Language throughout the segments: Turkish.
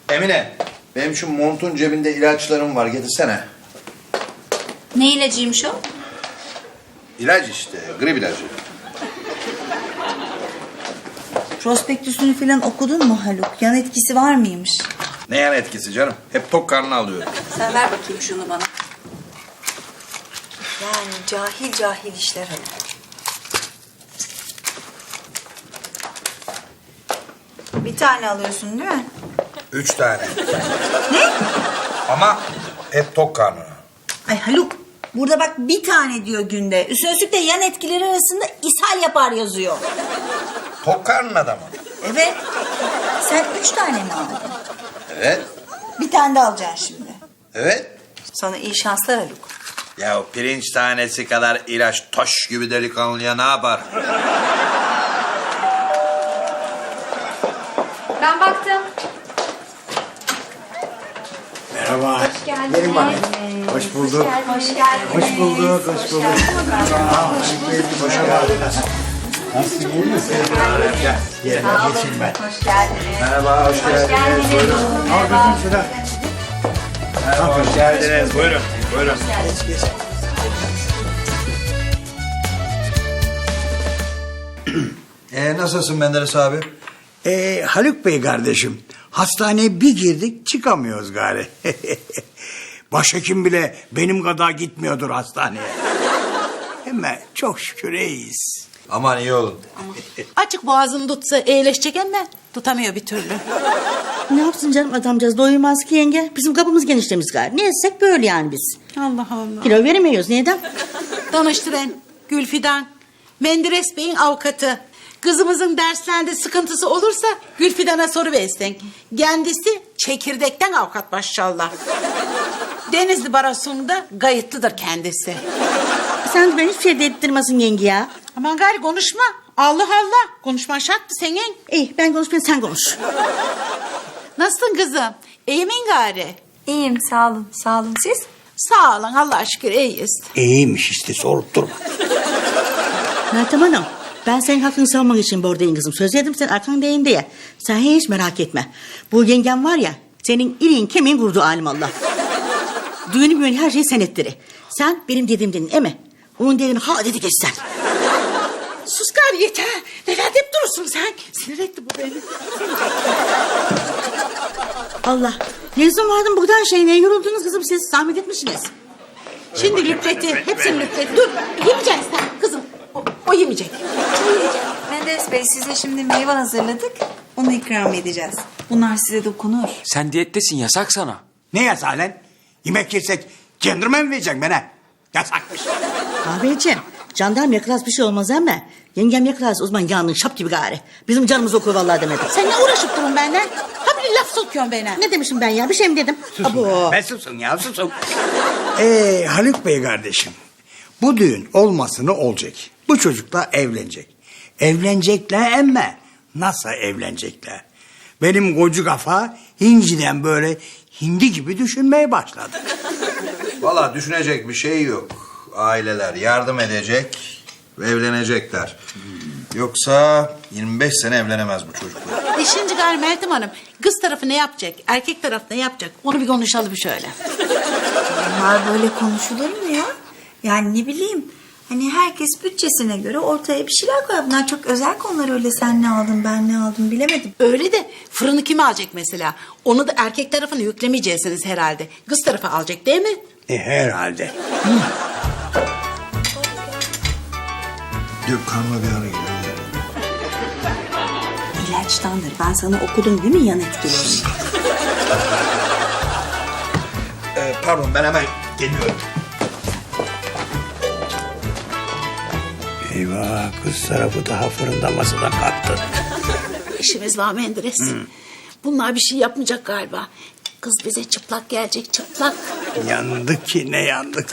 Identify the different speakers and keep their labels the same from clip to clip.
Speaker 1: Emine, benim şu montun cebinde ilaçlarım var, getirsene.
Speaker 2: Ne ilacıymış o?
Speaker 1: İlaç işte, grip ilacı.
Speaker 2: Prospektüsünü falan okudun mu Haluk? Yan etkisi var mıymış?
Speaker 1: Ne yan etkisi canım? Hep tok karnına alıyorum.
Speaker 2: Sen ver bakayım şunu bana. Yani cahil cahil işler Haluk. Bir tane alıyorsun değil mi?
Speaker 1: 3 tane. Ne? Ama hep tok karnına.
Speaker 2: Ay Haluk, burada bak bir tane diyor günde. Üstüne üstlük de yan etkileri arasında ishal yapar yazıyor.
Speaker 1: Tok karnına da mı?
Speaker 2: Evet. Sen 3 tane mi aldın?
Speaker 1: Evet.
Speaker 2: Bir tane de alacaksın şimdi.
Speaker 1: Evet.
Speaker 2: Sana iyi şanslar Haluk.
Speaker 1: Ya pirinç tanesi kadar ilaç taş gibi delikanlıya ne yapar?
Speaker 3: Ben baktım.
Speaker 4: Merhaba.
Speaker 3: Hoş geldiniz.
Speaker 4: Gelin bakayım. Hoş bulduk.
Speaker 3: Hoş geldiniz.
Speaker 4: Hoş bulduk, hoş bulduk. Hoş geldin. Nasılsın, iyi misin? Gel, yerine geçeyim ben.
Speaker 3: Hoş geldiniz.
Speaker 1: Merhaba, hoş geldiniz.
Speaker 3: Geldiniz.
Speaker 4: Al kızım şurada.
Speaker 1: Merhaba, hoş geldiniz. Buyurun, buyurun. Nasılsın Menderes abi?
Speaker 4: Haluk Bey kardeşim, hastaneye bir girdik çıkamıyoruz gari. Başhekim bile benim kadar gitmiyordur hastaneye. Ama çok şükür iyiyiz.
Speaker 1: Aman iyi olun.
Speaker 5: Açık boğazını tutsa iyileşecek ama tutamıyor bir türlü.
Speaker 6: Ne yapsın canım adamcağız doyurmaz ki yenge. Bizim kapımız genişlemiş galiba. Ne etsek böyle yani biz.
Speaker 5: Allah Allah.
Speaker 6: Kilo veremiyoruz neden?
Speaker 5: Danıştıran Gülfidan, Menderes Bey'in avukatı. Kızımızın derslerinde sıkıntısı olursa Gülfidan'a soru versin. Kendisi çekirdekten avukat maşallah. Denizli Barosu'nda kayıtlıdır kendisi.
Speaker 6: Sen de beni hiçbir şey dedirtmesin yenge ya.
Speaker 5: Aman gari konuşma. Allah Allah. Konuşman şarttı senin.
Speaker 6: İyi ben konuşmayayım sen konuş.
Speaker 5: Nasılsın kızım? İyi misin gari?
Speaker 2: İyiyim sağ olun. Sağ olun siz?
Speaker 5: Sağ olun Allah'a şükür iyiyiz.
Speaker 4: İyiymiş işte, sorup durma.
Speaker 6: Meltem Hanım ben senin hakkını savunmak için buradayım kızım. Söz yedim sen arkandayım diye. Sen hiç merak etme. Bu yengem var ya senin iliğin kemiğin kurdu alim Allah. Düğünü büyünü her şeyi sen ettiri. Sen benim dediğim dedin eme. Onun dediğini ha dedi geç sen.
Speaker 5: Sus gari yeter. Neler deyip durursun sen? Sinir etti bu beni.
Speaker 6: Allah. Ne zaman vardın buradan şey ne yoruldunuz kızım siz? Zahmet etmişsiniz.
Speaker 5: Şimdi lüpleti. Hepsini lüpleti. Dur. Yemeyeceksin sen kızım. O yemeyecek.
Speaker 2: Menderes Bey size şimdi meyve hazırladık. Onu ikram edeceğiz. Bunlar size dokunur.
Speaker 7: Sen diyettesin, yasak sana.
Speaker 4: Ne yasak lan? Yemek yesek kendime mi vereceksin bana? Yasakmış.
Speaker 6: Abiciğim jandarma yakalas bir şey olmaz ama yengem yakalas uzman yandın şap gibi gari. Bizim canımız okur vallahi demedi.
Speaker 5: Sen ne uğraşıp durun benden? Ha bir laf sokuyorsun bana.
Speaker 6: Ne demişim ben ya bir şey mi dedim? Abo.
Speaker 4: Ben susun ya, susun. Haluk Bey kardeşim, bu düğün olmasını olacak. Bu çocukla evlenecek. Evlenecekler ama nasıl evlenecekler? Benim koca kafa hinciden böyle hindi gibi düşünmeye başladı.
Speaker 1: Valla düşünecek bir şey yok. Aileler yardım edecek ve evlenecekler. Yoksa 25 sene evlenemez bu çocuklar.
Speaker 5: Şimdi gari Meltem Hanım kız tarafı ne yapacak? Erkek tarafı ne yapacak? Onu bir konuşalım şöyle.
Speaker 2: Bunlar böyle konuşulur mu ya? Yani ne bileyim. Hani herkes bütçesine göre ortaya bir şeyler koyar. Bunlar çok özel konular öyle sen ne aldın ben ne aldım bilemedim.
Speaker 5: Öyle de fırını kim alacak mesela? Onu da erkek tarafını yüklemeyeceksiniz herhalde. Kız tarafı alacak değil mi?
Speaker 4: Herhalde.
Speaker 1: Yok karnıma bir ara geliyor.
Speaker 2: İlaçtandır. Ben sana okudum değil mi yan etkilerini?
Speaker 1: Pardon ben hemen geliyorum.
Speaker 4: Eyvah, kız tarafı daha fırında masadan kalktı.
Speaker 5: İşimiz var Menderes. Bunlar bir şey yapmayacak galiba. Kız bize çıplak gelecek çıplak.
Speaker 4: Yandık ki ne yandık.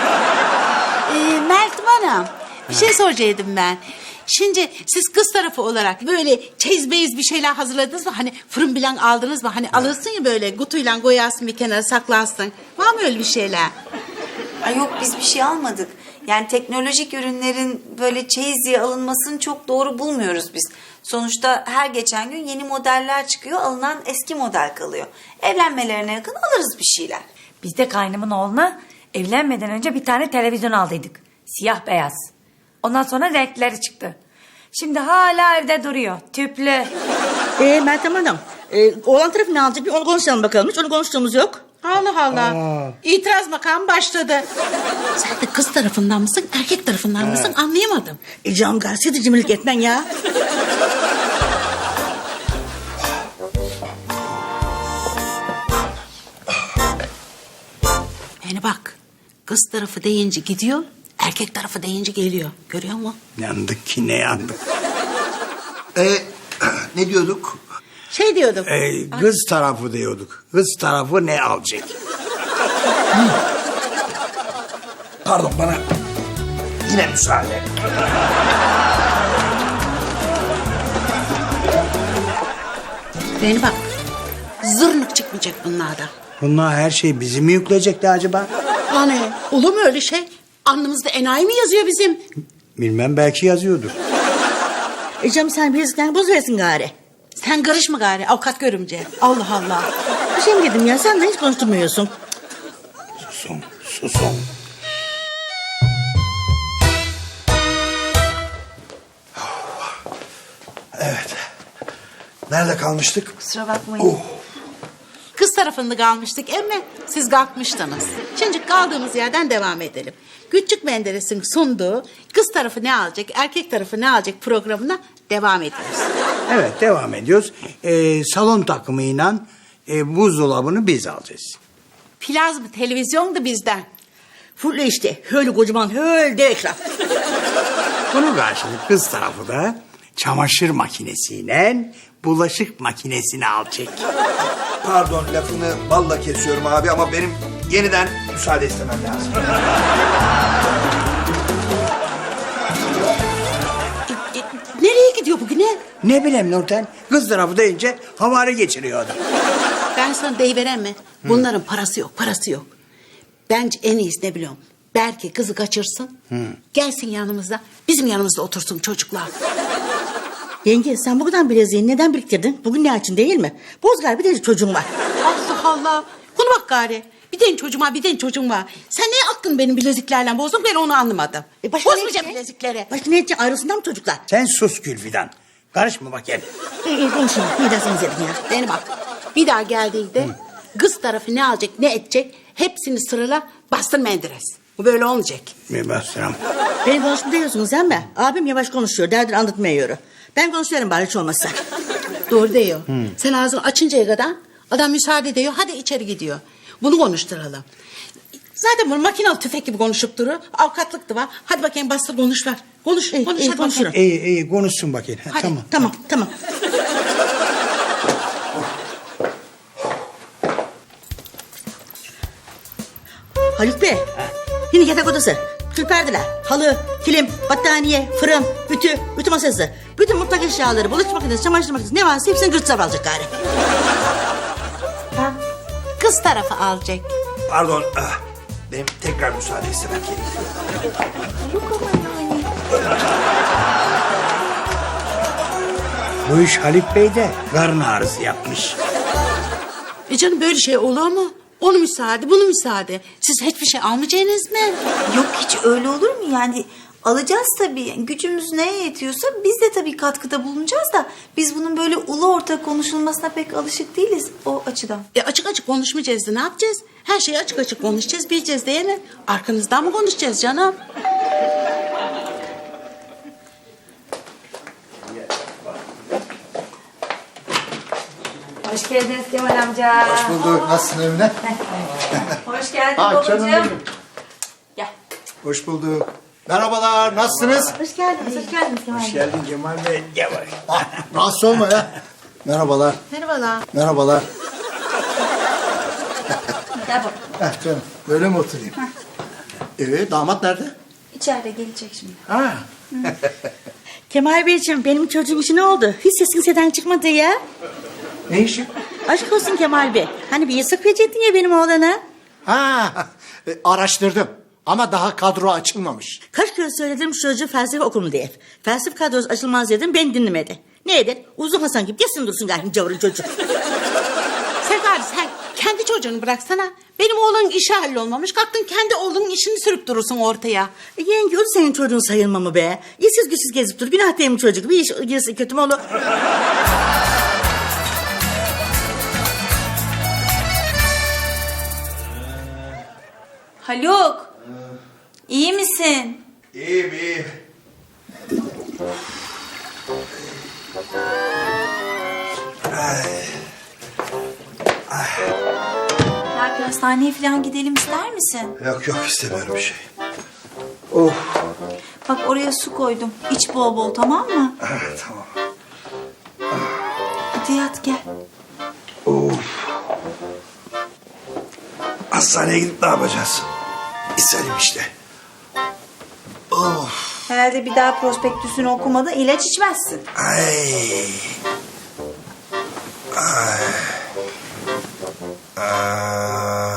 Speaker 5: Meltem Hanım bir şey soracaktım ben. Şimdi siz kız tarafı olarak böyle çeyiz beyiz bir şeyler hazırladınız mı? Hani fırın bilen aldınız mı? Hani alırsın ya böyle kutuyla koyarsın bir kenara saklarsın. Var mı öyle bir şeyler?
Speaker 2: Ay yok biz bir şey almadık. Yani teknolojik ürünlerin böyle çeyiz diye alınmasını çok doğru bulmuyoruz biz. Sonuçta her geçen gün yeni modeller çıkıyor, alınan eski model kalıyor. Evlenmelerine yakın alırız bir şeyler.
Speaker 3: Biz de kaynımın oğluna evlenmeden önce bir tane televizyon aldıydık. Siyah beyaz. Ondan sonra renkleri çıktı. Şimdi hala evde duruyor. Tüplü.
Speaker 6: Meltem Hanım, oğlan tarafı ne alacak? Bir onu konuşalım bakalım. Hiç onu konuştuğumuz yok.
Speaker 5: Allah Allah. İtiraz makamı başladı. Sen de kız tarafından mısın, erkek tarafından mısın anlayamadım.
Speaker 6: Canım garsiydi cimrilik etmen ya.
Speaker 5: Yani bak, kız tarafı deyince gidiyor, erkek tarafı deyince geliyor. Görüyor musun?
Speaker 4: Yandık ki ne yandık.
Speaker 1: Ne diyorduk?
Speaker 5: Şey diyordum.
Speaker 4: Kız tarafı diyorduk. Kız tarafı ne alacak?
Speaker 1: Pardon, bana yine müsaade.
Speaker 5: Beni bak, zırnık çıkmayacak bunlardan.
Speaker 4: Bunlar her şeyi bizi mi yükleyecekler acaba?
Speaker 5: Hani olur mu öyle şey? Alnımızda enayi mi yazıyor bizim?
Speaker 4: Bilmem, belki yazıyordur.
Speaker 6: Canım sen bilirsin bozuversin gari.
Speaker 5: Sen karışma gari avukat görümce. Allah Allah.
Speaker 6: Bir şey mi dedim ya, sen de hiç konuşturmuyorsun.
Speaker 4: Susun, susun.
Speaker 1: Evet. Nerede kalmıştık?
Speaker 2: Kusura bakmayın.
Speaker 5: Kız tarafında kalmıştık emme siz kalkmıştınız. Şimdi kaldığımız yerden devam edelim. Küçük Menderes'in sunduğu kız tarafı ne alacak, erkek tarafı ne alacak programına devam ediyoruz.
Speaker 4: Evet, devam ediyoruz. Salon takımıyla buzdolabını biz alacağız.
Speaker 5: Plazma televizyon da bizden.
Speaker 6: Fulle işte, öyle kocaman, öyle dev ekran.
Speaker 4: Bunun karşılık kız tarafı da çamaşır makinesiyle bulaşık makinesini alacak.
Speaker 1: Pardon, lafını balla kesiyorum abi ama benim yeniden müsaade istemem lazım.
Speaker 5: Nereye gidiyor bugüne?
Speaker 4: Ne bileyim Nurten, kız tarafı deyince havari geçiriyor adam.
Speaker 5: Ben sana deyiveren mi? Bunların parası yok, parası yok. Bence en iyisi ne biliyorum? Belki kızı kaçırsın, gelsin yanımıza, bizim yanımızda otursun çocuklar.
Speaker 6: Yenge sen bu kadar bileziğini neden biriktirdin? Bugün ne için değil mi? Bozgar bir de çocuğun var.
Speaker 5: Allah Allah. Buna bak gari. Bir den çocuğuma bir den çocuğum var. Sen ne aklın benim bileziklerle bozdun ben onu anlamadım.
Speaker 6: başka ne
Speaker 5: Bozmayacağım
Speaker 6: edecek?
Speaker 5: bilezikleri.
Speaker 6: Başka ne edecek, ayrılsınlar mı çocuklar?
Speaker 4: Sen sus Gülfidan. Karışma bakayım.
Speaker 6: İyi konuşun, ne derseniz edin ya.
Speaker 5: Beni bak. Bir daha geldiğinde kız tarafı ne alacak ne edecek hepsini sırala bastır Menderes. Bu böyle olmayacak.
Speaker 4: Bir bastıram.
Speaker 6: Beni konuşma diyorsunuz değil mi? Abim yavaş konuşuyor, derdini anlatmıyor. Ben konuşuyorum bari hiç olmazsa.
Speaker 5: Doğru diyor. Sen ağzını açıncaya kadar adam müsaade ediyor. Hadi içeri gidiyor. Bunu konuşturalım. Zaten bunu makinalı tüfek gibi konuşup durur. Avukatlık da var. Hadi bakayım bastır konuş ver. Konuş, konuş hadi
Speaker 6: konuşurum.
Speaker 5: bakayım.
Speaker 4: İyi konuşsun bakayım. Ha,
Speaker 5: Hadi.
Speaker 4: tamam.
Speaker 6: Tamam. Haluk Bey, yine yatak odası, tül perdeler, halı, kilim, battaniye, fırın, ütü masası, bütün mutfak eşyaları, bulaşık makinesi, çamaşır makinesi ne varsa hepsini gırtsav alacak gari.
Speaker 5: Kız tarafı alacak.
Speaker 1: Pardon, benim tekrar müsaade istemem gerekiyor.
Speaker 4: Bu iş Haluk Bey de karın ağrısı yapmış.
Speaker 5: Canım böyle şey olur mu? Onu müsaade, bunu müsaade. Siz hiçbir şey almayacaksınız mı?
Speaker 2: Yok hiç öyle olur mu? Yani alacağız tabii. Yani gücümüz neye yetiyorsa biz de tabii katkıda bulunacağız da biz bunun böyle ulu orta konuşulmasına pek alışık değiliz o açıdan.
Speaker 5: Açık açık konuşmayacağız da ne yapacağız? Her şeyi açık açık konuşacağız, bileceğiz değil mi? Arkanızdan mı konuşacağız canım?
Speaker 3: Hoş geldiniz Kemal amca.
Speaker 8: Hoş bulduk. Nasılsın Emine?
Speaker 3: Hoş geldin
Speaker 8: Ah canım
Speaker 3: babacığım.
Speaker 8: benim.
Speaker 3: Gel.
Speaker 8: Hoş bulduk. Merhabalar. Nasılsınız?
Speaker 2: Hoş geldiniz Kemal Bey.
Speaker 4: Geldin Cemal Bey. Gel bak.
Speaker 8: Ah, rahatsız olma ya. Merhabalar.
Speaker 5: Merhabalar.
Speaker 8: Merhabalar.
Speaker 3: Gel bak.
Speaker 8: Heh canım. Böyle mi oturayım? Damat nerede?
Speaker 2: İçeride gelecek şimdi.
Speaker 8: Ha.
Speaker 6: Kemal Beyciğim, benim çocuğum işi ne oldu? Hiç sesin seden çıkmadı ya.
Speaker 8: Ne işi?
Speaker 6: Aşk olsun Kemal Bey. Hani bir yasak verecektin ya benim oğlana.
Speaker 8: Ha. Araştırdım. Ama daha kadro açılmamış.
Speaker 6: Kaç kere söyledim şu çocuğu felsefe okulunu diye. Felsefe kadrosu açılmaz dedim, ben dinlemedi. Ne eder? Uzun Hasan gibi yesin dursun gayrim cavırın çocuk.
Speaker 5: Sefer sen kendi çocuğunu bıraksana. Benim oğlanın işi hallolmamış. Kalktın kendi oğlunun işini sürüp durursun ortaya.
Speaker 6: Yenge o senin çocuğun sayılma mı be? İşsiz güçsüz gezip dur. Günah değil mi çocuk? Bir iş girse kötü mü olur?
Speaker 2: Haluk. İyi misin?
Speaker 1: İyiyim iyiyim.
Speaker 2: Ya bir hastaneye falan gidelim ister misin?
Speaker 1: Yok yok istemiyorum bir şey.
Speaker 2: Bak oraya su koydum. İç bol bol tamam mı?
Speaker 1: Tamam.
Speaker 2: Hadi yat gel.
Speaker 1: Hastaneye gidip ne yapacağız? İsterim işte.
Speaker 2: Herhalde bir daha prospektüsünü okumadan ilaç içmezsin.
Speaker 1: Ay. Ay. Ah.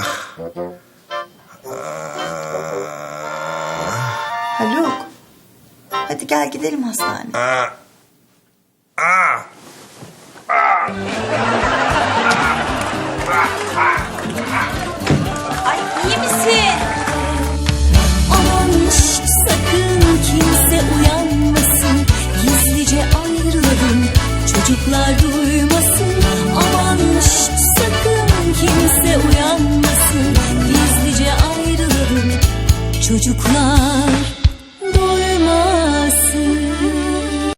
Speaker 2: Haluk. Hadi gel gidelim hastaneye.
Speaker 1: Ah. Ah.
Speaker 2: Ay iyi misin?
Speaker 9: Aman şş, sakın kimse uyanmasın. Gizlice ayrılalım. Çocuklar